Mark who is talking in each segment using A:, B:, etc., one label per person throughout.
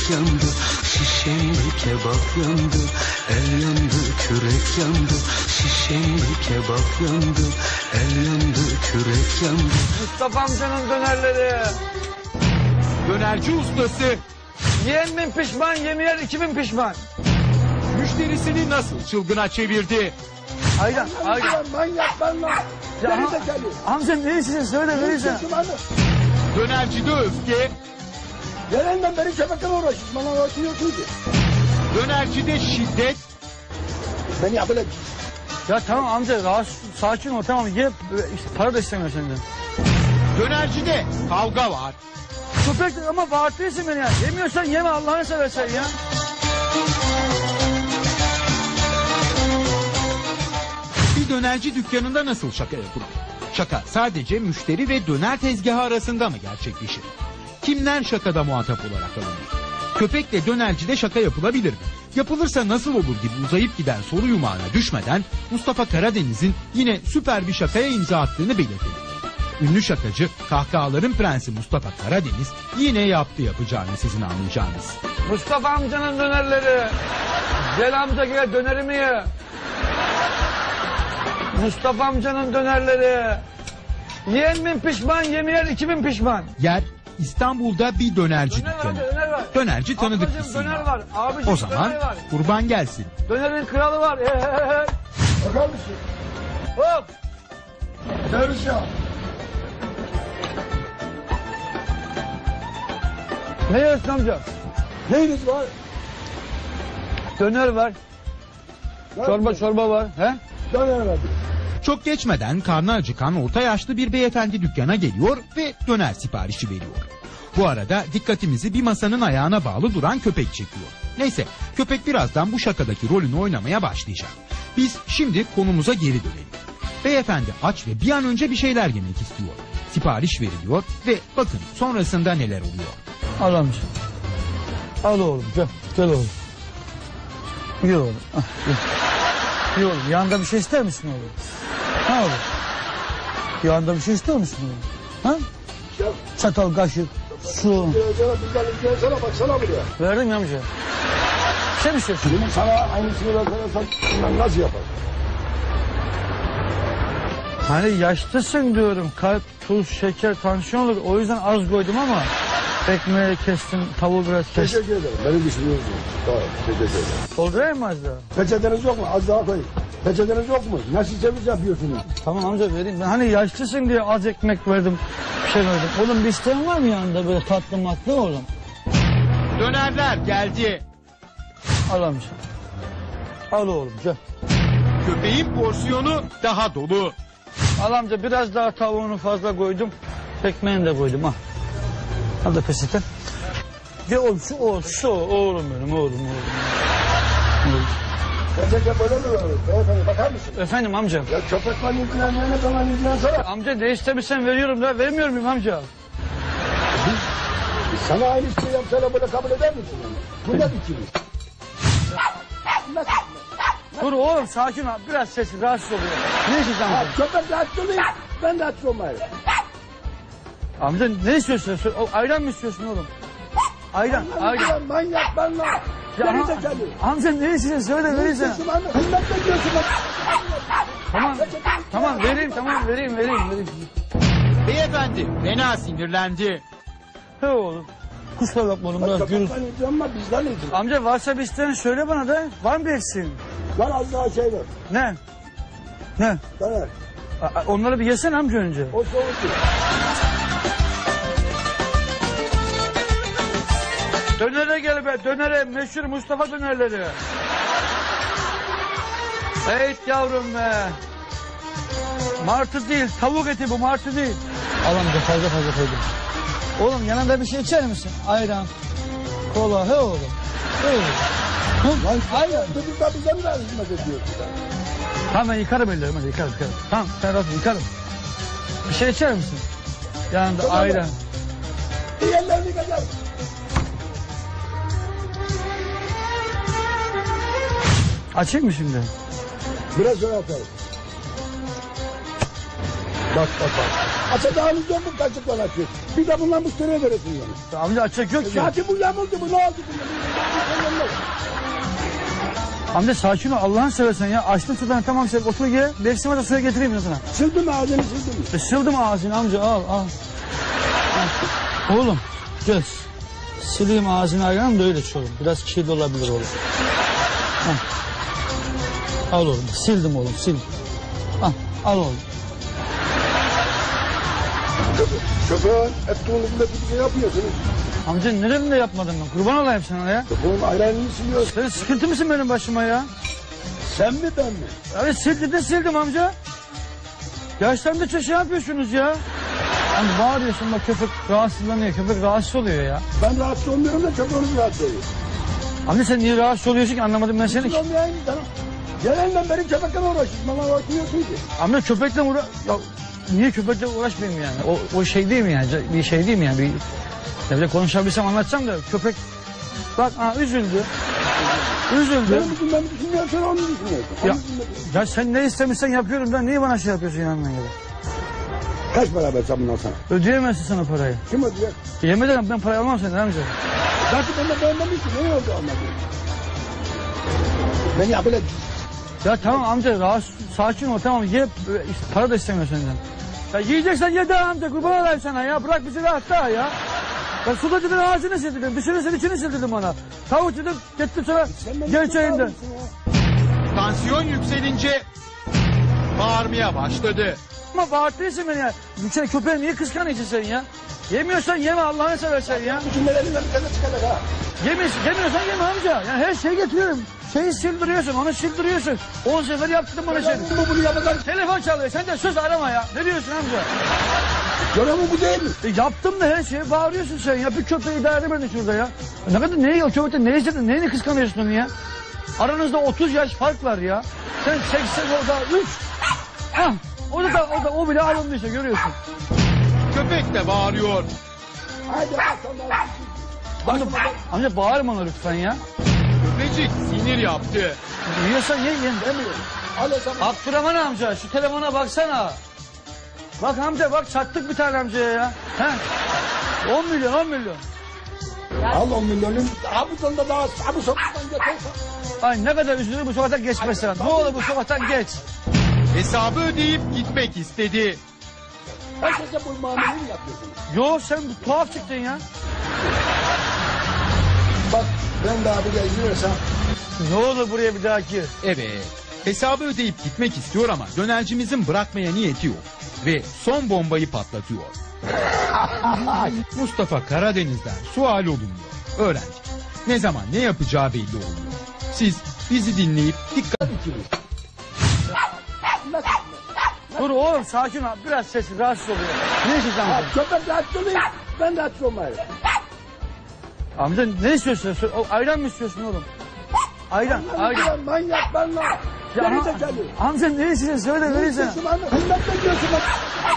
A: kürek yandı, şişemde kebap yandı, el yandı, kürek yandı, şişemde kebap yandı, el yandı, kürek yandı.
B: Mustafa amcanın dönerleri.
C: Dönerci ustası
B: Yiyen bin pişman, yemeyen 2000 pişman.
C: müşterisini nasıl çılgına çevirdi?
B: Aydan.
D: Manyak lan.
B: Amca ne istiyorsun söyle verirsen.
C: Dönercide öfke,
D: Gelenden beri köpekle uğraşıyorsun. Bana uğraşıyorsun ki.
C: dönercide şiddet,
D: Beni yapıla.
B: Ya tamam amca rahatsız, sakin ol tamam ye. İşte para da istemiyor senden.
C: dönercide kavga var.
B: Köpek ama bağırtıyorsun beni ya. Yemiyorsan yeme Allah'ını seversen ya.
C: Bir dönerci dükkanında nasıl şaka yapılır? Şaka sadece müşteri ve döner tezgahı arasında mı gerçekleşir? Kimler şakada muhatap olarak alınır? Köpekle dönercide şaka yapılabilir mi? Yapılırsa nasıl olur gibi uzayıp giden soru yumağına düşmeden Mustafa Karadeniz'in yine süper bir şakaya imza attığını belirtelim. Ünlü şakacı, kahkahaların prensi Mustafa Karadeniz yine yaptı yapacağını sizin anlayacağınız.
B: Mustafa amcanın dönerleri. Gel amca gel dönerimi ye. Mustafa amcanın dönerleri. Yiyen bin pişman, yemeyen 2000 pişman.
C: Yer İstanbul'da bir dönerci
B: Döner var,
C: dükkanı.
B: döner var.
C: Dönerci tanıdık
B: Ablacığım,
C: isim.
B: döner var. Abicim,
C: O zaman
B: döner var.
C: kurban gelsin.
B: Dönerin kralı var.
D: Bakar mısın?
B: Hop.
D: Servis ya.
B: Ne yiyorsun amca?
D: Neyiniz var?
B: Döner var. Çorba var. He?
D: Döner verdi.
C: Çok geçmeden karnı acıkan orta yaşlı bir beyefendi dükkana geliyor ve döner siparişi veriyor. Bu arada dikkatimizi bir masanın ayağına bağlı duran köpek çekiyor. Neyse köpek birazdan bu şakadaki rolünü oynamaya başlayacak. Biz şimdi konumuza geri dönelim. Beyefendi aç ve bir an önce bir şeyler yemek istiyor. Sipariş veriliyor ve bakın sonrasında neler oluyor.
B: Al amca. Al oğlum gel. Gel oğlum. Ye oğlum. Ah, ye. Ye oğlum. Yanında bir şey ister misin oğlum? Ha oğlum. Yanında bir şey ister misin oğlum? Ha? Çatal, kaşık, su.
D: Sana baksana buraya.
B: Verdim ya amca. Şey mi istiyorsun?
D: Benim sana aynısını versen nasıl yapar?
B: Hani yaşlısın diyorum. Kalp, tuz, şeker, tansiyon olur. O yüzden az koydum ama ekmeği kestim, tavuğu biraz kestim.
D: Teşekkür ederim. Beni düşünüyorsunuz. Tamam, teşekkür ederim.
B: Doldurayım mı az daha?
D: Peçeteniz yok mu? Az daha koyun. Peçeteniz yok mu? Nasıl servis yapıyorsunuz?
B: Tamam amca vereyim. Ben hani yaşlısın diye az ekmek verdim. Bir şey verdim. Oğlum bir isteğin var mı yanında böyle tatlı matlı oğlum?
C: Dönerler geldi.
B: Al amca. Al oğlum gel.
C: Köpeğin porsiyonu daha dolu.
B: Al amca biraz daha tavuğunu fazla koydum. Ekmeğini de koydum ha. Al da peçete. Gel oğlum şu oğlum benim oğlum.
D: Peçete böyle mi var? Beyefendi bakar mısın?
B: Efendim amca.
D: Ya köpekle ilgilenmeyene falan ilgilensene.
B: Amca ne istemişsen veriyorum da vermiyor muyum amca?
D: Sana aynı şeyi yapsana böyle kabul eder misin? Bu ne biçim? Nasıl?
B: Dur oğlum sakin ol. Biraz sessiz rahatsız oluyor. Ne istiyorsun
D: Ha,
B: amca?
D: köpek rahatsız olayım. Ben rahatsız olmayayım.
B: Amca ne istiyorsun? Ayran mı istiyorsun oğlum? Ayran.
D: Manyak ben lan.
B: Ya,
D: Beni de geliyor.
B: amca ne istiyorsun? Söyle vereyim sana.
D: Hizmet ediyorsun bak.
B: Tamam vereyim.
C: Beyefendi fena sinirlendi.
B: He oğlum. Kusura bakma oğlum biraz gürültü.
D: Köpekten izliyorum ama bizden izliyorum.
B: Amca varsa bir isteğin söyle bana da. Var mı bir eksiğin?
D: Lan az daha şey ver.
B: Ne? Ne?
D: Döner.
B: Onları bir yesene amca önce.
D: O soğuk değil.
B: Dönere gel be dönere meşhur Mustafa dönerleri. Evet yavrum be. Martı değil tavuk eti bu martı değil. Al amca fazla koydum. Oğlum yanında bir şey içer misin? Ayran, kola he oğlum. He oğlum.
D: Lan
B: Ayran.
D: çocuklar bize mi hizmet ediyorsun?
B: Tamam ben yıkarım ellerimi hadi yıkarım. Tamam sen rahat ol, yıkarım. Bir şey içer misin? Yanında
D: Tamam.
B: ayran.
D: Diğerlerini kadar.
B: Açayım mı şimdi?
D: Biraz sonra atarım. Bak. Açacağınız yok mu kaçıkla açıyor? Bir de bundan müşteriye verirsin yani.
B: Amca açacak yok ki.
D: Zaten bu yamuldu bu ne oldu?
B: Amca sakin ol Allah'ını seversen ya. Açtım sudan tamam sen otur ye. Beksime de suya getireyim ya sana.
D: Sildim ağzını sildim.
B: Sildim ağzını amca al al. Oğlum göz. Sileyim ağzını ayağım da öyle oğlum. Biraz kirli olabilir oğlum. Al oğlum sildim oğlum sil. Al oğlum.
D: Köpeğin ettiğinizde bir şey yapıyorsunuz.
B: Amca nerede yapmadım ben? Kurban olayım sana ya.
D: Köpeğin ayranını siliyorsun.
B: Sen sıkıntı mısın benim başıma ya?
D: Sen mi ben mi?
B: Abi sildim amca. Yaşlandıkça şey yapıyorsunuz ya. Hani bağırıyorsun bak köpek rahatsızlanıyor. Köpek rahatsız oluyor ya.
D: Ben rahatsız olmuyorum da köpeğiniz rahatsız oluyor.
B: Amca sen niye rahatsız oluyorsun ki anlamadım ben seni.
D: Rahatsız olmayayım canım. Gelenden beri köpekle uğraşıyorsun. Bana uğraşmıyorsun ki.
B: Amca köpekle ya niye köpekle uğraşmayayım yani? O şey değil mi yani? Bir şey değil mi yani? Bir böyle konuşabilsem anlatsam da köpek bak üzüldü. Üzüldü.
D: Benim için ben düşünmüyorum sen onu düşünüyorsun.
B: Ya sen ne istemişsen yapıyorum ben. Niye bana şey yapıyorsun yanından gibi?
D: Kaç para versem bundan sana?
B: Ödeyemezsin sana parayı.
D: Kim ödüyor?
B: Yemin ederim ben parayı almam senden amca.
D: Zaten ben de beğenmemişim. Ne oldu anladın? Beni yapıla.
B: Ya tamam amca rahatsız sakin ol tamam ye işte, para da istemiyor senden. Ya yiyeceksen ye daha amca kurban olayım sana ya bırak bizi rahat daha ya. Ben suda dedim ağzını sildirdim dışını sil içini sildirdim bana. Tavuk dedim gittim sana gel çayından.
C: Tansiyon yükselince bağırmaya başladı.
B: Ama bağırtıyorsun beni ya. Sen köpeği niye kıskanıyorsun sen ya? Yemiyorsan yeme Allah'ını seversen ya.
D: Cümlelerinden bir tane çıkacak ha.
B: Yemiyorsan yeme amca. Yani her şeyi getiriyorum. Şeyi sildiriyorsun, onu sildiriyorsun. 10 sefer yaptım bunu seni.
D: Bunu yapacak.
B: Telefon çalıyor, sen de söz arama ya. Ne diyorsun amca?
D: Görevim bu değil mi?
B: Yaptım da her şeyi bağırıyorsun sen ya. Bir köpeği idare edemedin şurada ya. Ne kadar neyi o köpekten ne istedin, neyini kıskanıyorsun onu ya? Aranızda 30 yaş fark var ya. Sen 80 orada 3. O bile alındıysa görüyorsun.
C: Köpek de bağırıyor.
D: Haydi bakalım.
B: Amca bağırma ona lütfen ya.
C: Köpecik sinir yaptı.
B: Yiyorsan ye
D: Demiyorum. Al o zaman.
B: Abdurrahman amca şu telefona baksana. Bak amca bak çattık bir tane amcaya ya. He? 10 milyon 10 milyon.
D: Al 10 milyonun. Abudan da daha bu sokaktan götürsen.
B: Ay ne kadar üzülür bu sokaktan geçmesen. Ne olur bu sokaktan geç.
C: Hesabı ödeyip gitmek istedi.
D: Herkese bu muameleyi mi yapıyorsun?
B: Yo sen tuhaf çıktın ya.
D: Bak ben de abiyle izliyorsam.
B: Ne olur buraya bir daha gir.
C: Evet. Hesabı ödeyip gitmek istiyor ama dönercimizin bırakmaya niyeti yok. Ve son bombayı patlatıyor. Mustafa Karadeniz'den sual olunuyor. Öğrenci. Ne zaman ne yapacağı belli olmuyor. Siz bizi dinleyip dikkat
B: Dur oğlum sakin ol. Biraz sessiz rahatsız oluyor. Ne istiyorsun amca?
D: Köpek rahatsız olayım. Ben rahatsız olmayayım.
B: Amca ne istiyorsun? Ayran mı istiyorsun oğlum? Ayran.
D: Manyak ben lan. Geri zekalı.
B: Amca ne istiyorsun? Söyle vereyim sana.
D: Hizmet bekliyorsun bak.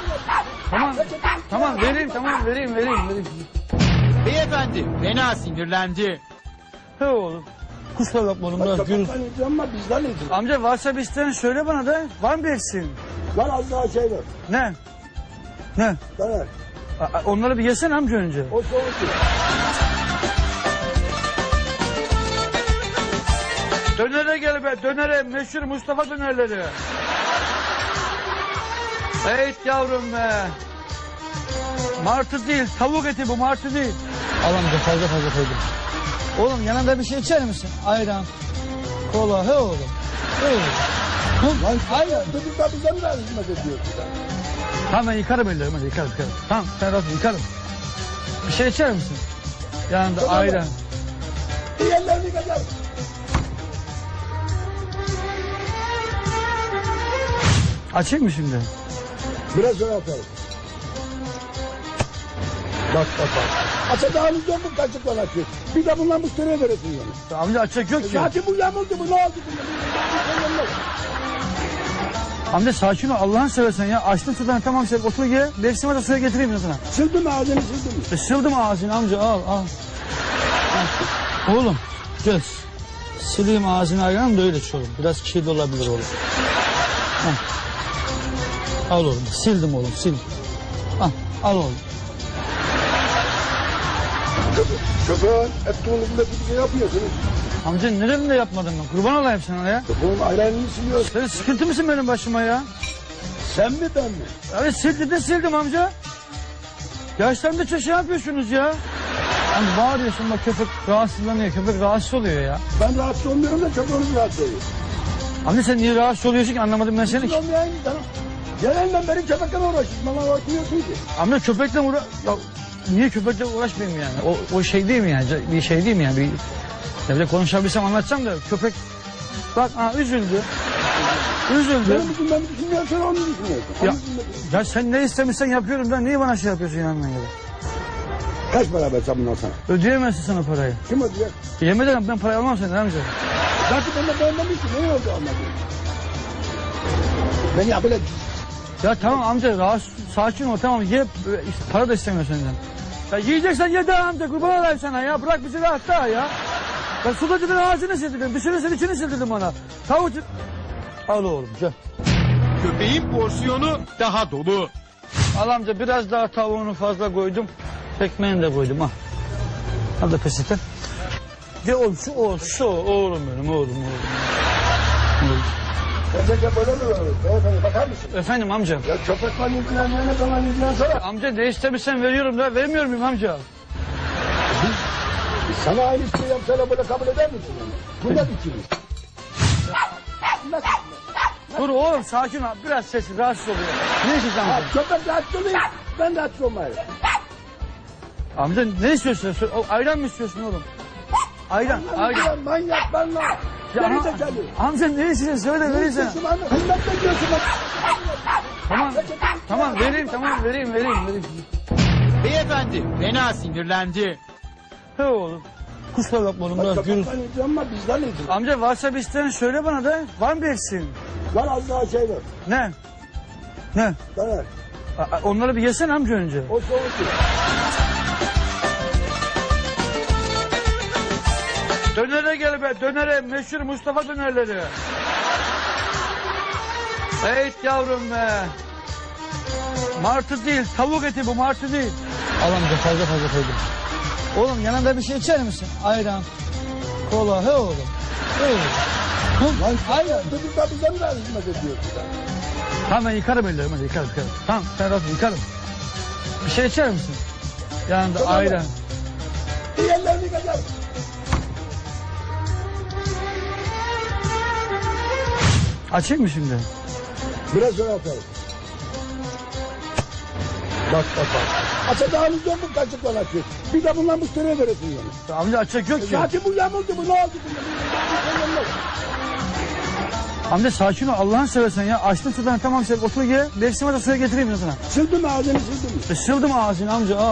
B: Tamam vereyim vereyim.
C: Beyefendi fena sinirlendi.
B: He oğlum. Kusura bakma oğlum biraz gürültü.
D: Köpekten yiyeceğim ama bizden yiyeceğim.
B: Amca varsa bir isteğin söyle bana da. Var mı bir eksiğin?
D: Lan az daha şey ver.
B: Ne? Ne?
D: Döner.
B: Onları bir yesene amca önce.
D: O soğuk değil.
B: Dönere gel be dönere meşhur Mustafa dönerleri. Evet yavrum be. Martı değil tavuk eti bu martı değil. Al amca fazla koydum. Oğlum yanında bir şey içer misin? Ayran. Kola he oğlum. He oğlum.
D: Lan ayran. Çocuklar bize mi hizmet ediyorsun sen?
B: Tamam ben yıkarım ellerimi hadi yıkarım. Tamam sen rahat ol, yıkarım. Bir şey içer misin? Yanında
D: Tamam.
B: ayran.
D: Diğerlerini yıkacağım.
B: Açayım mı şimdi?
D: Biraz sonra atarım. Bak. Açacağınız yok mu kaçıktan açıyor? Bir de bundan müşteriye verirsin yani.
B: Amca açacak yok ki.
D: Zaten bu yamuldu bu ne oldu?
B: Amca sakin ol Allah'ını seversen ya. Açtım sudan tamam sen otur ye. Beksime de suya getireyim ya sana.
D: Sildim ağzını sildim.
B: Sildim ağzını amca al. Oğlum göz. Sileyim ağzını ayağım da öyle oğlum. Biraz kirli olabilir oğlum. Al oğlum sildim oğlum sil. Al oğlum.
D: Köpeğin ettiğinizde bir şey yapıyorsunuz.
B: Amca nerede yapmadım ben? Kurban olayım sana ya.
D: Köpeğin ayranını siliyorsun.
B: Sen sıkıntı mısın benim başıma ya?
D: Sen mi ben mi?
B: Evet sildim amca. Yaşlarında şey yapıyorsunuz ya. Hani bağırıyorsun bak köpek rahatsızlanıyor. Köpek rahatsız oluyor ya.
D: Ben rahatsız olmuyorum da köpeğiniz rahatsız oluyor.
B: Amca sen niye rahatsız oluyorsun ki anlamadım ben seni.
D: Siz olmayan ki canım. Gelenden beri köpekle uğraşıyorsun. Bana uğraşmıyorsun ki.
B: Amca köpekle ya niye köpekle uğraşmayayım yani? O şey değil mi yani? Bir şey değil mi yani? Ya bir de konuşabilsem anlatsam da köpek bak üzüldü. Üzüldü.
D: Benim için ben düşünmüyorum, sen onu düşünüyorsun.
B: Ya sen ne istemişsen yapıyorum da niye bana şey yapıyorsun yanından gibi?
D: Kaç para versem bundan sana?
B: Ödeyemezsin sana parayı.
D: Kim ödeyecek?
B: Yemin ederim ben parayı almam senden amca.
D: Zaten ben de beğenmemiştim. Ne oldu anladım? Beni böyle...
B: Ya tamam amca sakin ol tamam ye para da istemiyor senden. Ya yiyeceksen ye daha amca kurban olayım sana ya bırak bizi rahat daha ya. Ben sudacının ağzını sildirdim dışını sil içini sildirdim bana. Tavuk al oğlum gel.
C: Köpeğin porsiyonu daha dolu.
B: Al amca biraz daha tavuğunu fazla koydum. Ekmeğini de koydum al. Al da peçete. Gel oğlum şu oğlum benim oğlum.
D: Gerçekten böyle mi olur? Beyefendi bakar mısın?
B: Efendim amca.
D: Ya köpek var ilgilenmeyene zaman ilgilensene.
B: Amca ne istemişsen veriyorum da vermiyor muyum amca?
D: Sana aynı şeyi yapsana böyle kabul eder misin? Bu da ikimiz.
B: Dur oğlum sakin ol biraz sesi rahatsız oluyor. Ne istiyorsun amca?
D: Köpek rahatsız olayım. Ben rahatsız olmayayım.
B: Amca ne istiyorsun? Ayran mı istiyorsun oğlum? Ayran.
D: Manyak ben lan.
B: Ya,
D: Geri zekalı.
B: amca ne istiyorsun? Söyle vereyim sana.
D: Hizmet bekliyorsun bak.
B: Tamam vereyim.
C: Beyefendi fena sinirlendi.
B: He oğlum. Kusura bakma oğlum biraz gürültü.
D: Köpekten ilgilen ama bizden ilgilen.
B: Amca varsa bir isteğin söyle bana da. Var mı bir eksiğin?
D: Var az daha şey var.
B: Ne? Ne?
D: Döner.
B: Onları bir yesene amca önce.
D: O soğuk değil.
B: Dönere gel be dönere meşhur Mustafa dönerleri. Evet yavrum be. Martı değil tavuk eti bu martı değil. Al amca fazla koydum. Oğlum yanında bir şey içer misin? Ayran, kola he oğlum.
D: Lan
B: Ayran.
D: çocuklar bize mi hizmet ediyorsun?
B: Tamam ben yıkarım ellerimi hadi yıkarım. Tamam sen rahat ol, yıkarım. Bir şey içer misin? Yanında
D: Tamam.
B: ayran.
D: Diğerlerini yıkacağım.
B: Açayım mı şimdi?
D: Biraz sonra atarım. Bak. Açacağınız yok mu kaçıkla açıyor? Bir de bundan müşteriye veresin yani.
B: Amca açacak yok ki.
D: Zaten bu yamuldu bu ne oldu?
B: Amca sakin ol Allah'ını seversen ya. Açtım sudan tamam sen otur ye. Beksime de suya getireyim sana.
D: Sildim ağzını sildim.
B: Sildim ağzını amca al.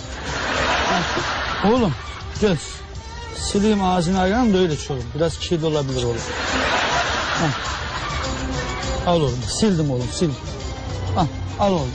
B: Oğlum gel. Sileyim ağzını ayranım da öyle iç oğlum. Biraz kirli olabilir oğlum. Al oğlum sildim oğlum sil. Al oğlum.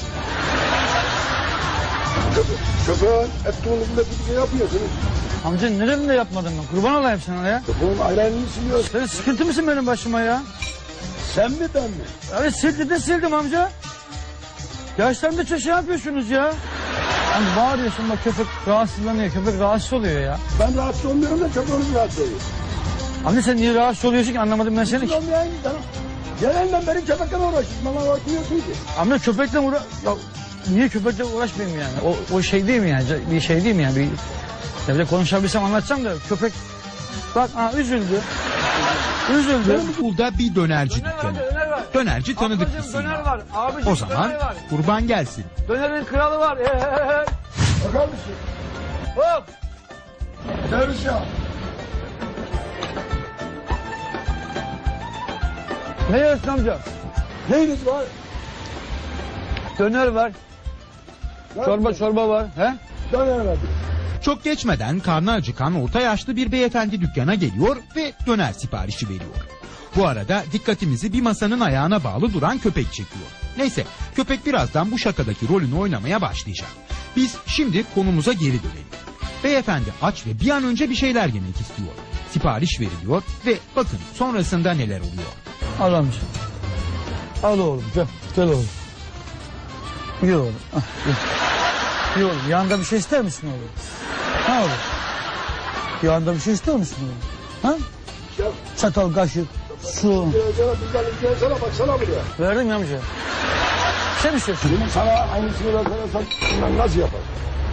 D: Köpeğin ettiğinizde bir şey yapıyorsunuz.
B: Amca nerede yapmadım ben? Kurban olayım sana ya.
D: Köpeğin ayranını siliyorsun.
B: Sen sıkıntı mısın benim başıma ya?
D: Sen mi ben mi?
B: Evet sildim amca. Yaşlarında şey yapıyorsunuz ya. Hani bağırıyorsun bak köpek rahatsızlanıyor. Köpek rahatsız oluyor ya.
D: Ben rahatsız olmuyorum da köpeğiniz rahatsız oluyor.
B: Amca sen niye rahatsız oluyorsun ki anlamadım ben seni.
D: Siz olmayan ki canım. Gelenden beri köpekle uğraşıyorsun. Bana uğraşmıyorsun ki.
B: Amca köpekle ya niye köpekle uğraşmayayım yani? O şey değil mi yani? Bir şey değil mi yani? Ya bir de konuşabilsem anlatsam da köpek bak üzüldü.
C: İstanbul'da bir dönerci
B: Döner
C: dükkanı.
B: var.
C: Dönerci tanıdık
B: Ablacığım,
C: isim.
B: döner var. Abicim,
C: O zaman
B: döner var.
C: kurban gelsin.
B: Dönerin kralı var.
D: Bakar mısın?
B: Hop.
D: Dönüş ya.
B: Ne yiyorsun amca?
D: Neyiniz var?
B: Döner var. Çorba var. He?
D: Döner var.
C: Çok geçmeden karnı acıkan orta yaşlı bir beyefendi dükkana geliyor ve döner siparişi veriyor. Bu arada dikkatimizi bir masanın ayağına bağlı duran köpek çekiyor. Neyse köpek birazdan bu şakadaki rolünü oynamaya başlayacak. Biz şimdi konumuza geri dönelim. Beyefendi aç ve bir an önce bir şeyler yemek istiyor. Sipariş veriliyor ve bakın sonrasında neler oluyor.
B: Al amca. Al oğlum gel oğlum. Gel oğlum. Gel oğlum yanında bir şey ister misin oğlum? Ne olur? Yanında bir şey istiyor musun oğlum? Ha?
D: Ya,
B: Çatal, kaşık, su.
D: bizden izleyensene baksana buraya.
B: Verdim ya amca. Bir şey mi istiyorsun?
D: Benim sana aynısını versen ben nasıl yaparım?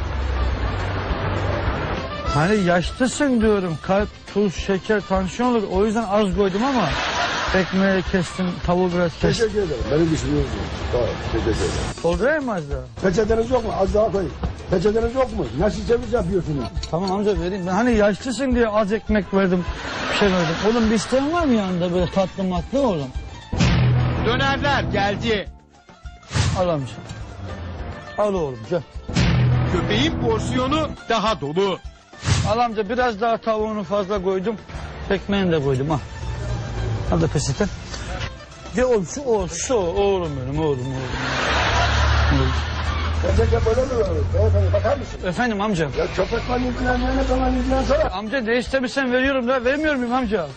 B: Hani yaşlısın diyorum. Kalp, tuz, şeker, tansiyon olur. O yüzden az koydum ama ekmeği kestim, tavuğu biraz kestim.
D: Teşekkür ederim. Beni düşünüyorsun. Tamam, teşekkür ederim.
B: Doldurayım mı az daha?
D: Peçeteniz yok mu? Az daha koyayım. Peçeteniz yok mu? Nasıl servis yapıyorsunuz?
B: Tamam amca vereyim. Ben hani yaşlısın diye az ekmek verdim. Bir şey verdim. Oğlum bir isteğin var mı yanında böyle tatlı matlı oğlum?
C: Dönerler geldi.
B: Al amca. Al oğlum gel.
C: Köpeğin porsiyonu daha dolu.
B: Al amca biraz daha tavuğunu fazla koydum. Ekmeğini de koydum al. Al da peçete. Gel oğlum şu oğlum benim oğlum.
D: Peçete böyle mi veriyor? Beyefendi bakar mısın?
B: Efendim amca.
D: Ya köpekle ilgilenmeyene bana ilgilensene.
B: Amca ne istemişsen veriyorum da vermiyor muyum amca?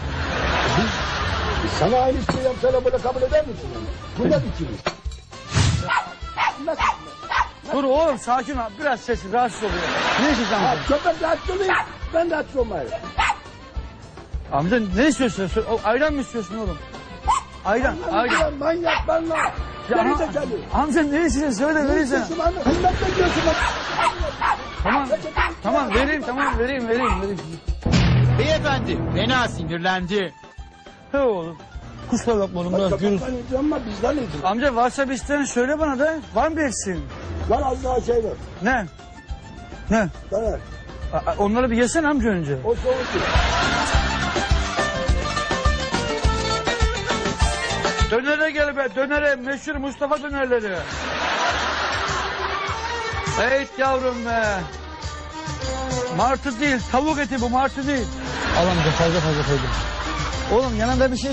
D: Sana aynı şeyi yapsana böyle kabul eder misin? Yani? Bunda dikiliz. Nasıl?
B: Dur oğlum sakin ol. Biraz sessiz rahatsız oluyor. Ne istiyorsun
D: Ha,
B: amca?
D: köpek rahatsız olayım. Ben de rahatsız olmayayım.
B: Amca ne istiyorsun? Ayran mı istiyorsun oğlum? Ayran.
D: Lan manyak ben lan. Geri zekalı.
B: Amca ne istiyorsun? Söyle vereyim sana.
D: İstiyorsun anne. Hizmet ediyorsun bak.
B: Tamam vereyim.
C: Beyefendi fena sinirlendi.
B: He oğlum. Kusura bakma oğlum biraz gürültü.
D: Köpekten ilgilenme bizden ilgilen.
B: Amca varsa bir isteğin söyle bana da. Var mı bir eksiğin?
D: Lan az daha şey ver.
B: Ne? Ne?
D: Döner.
B: Onları bir yesene amca önce.
D: O soğuk değil.
B: Dönere gel be dönere. Meşhur Mustafa dönerleri. Evet yavrum be. Martı değil tavuk eti bu martı değil. Al amca fazla koydum. Oğlum yanında bir şey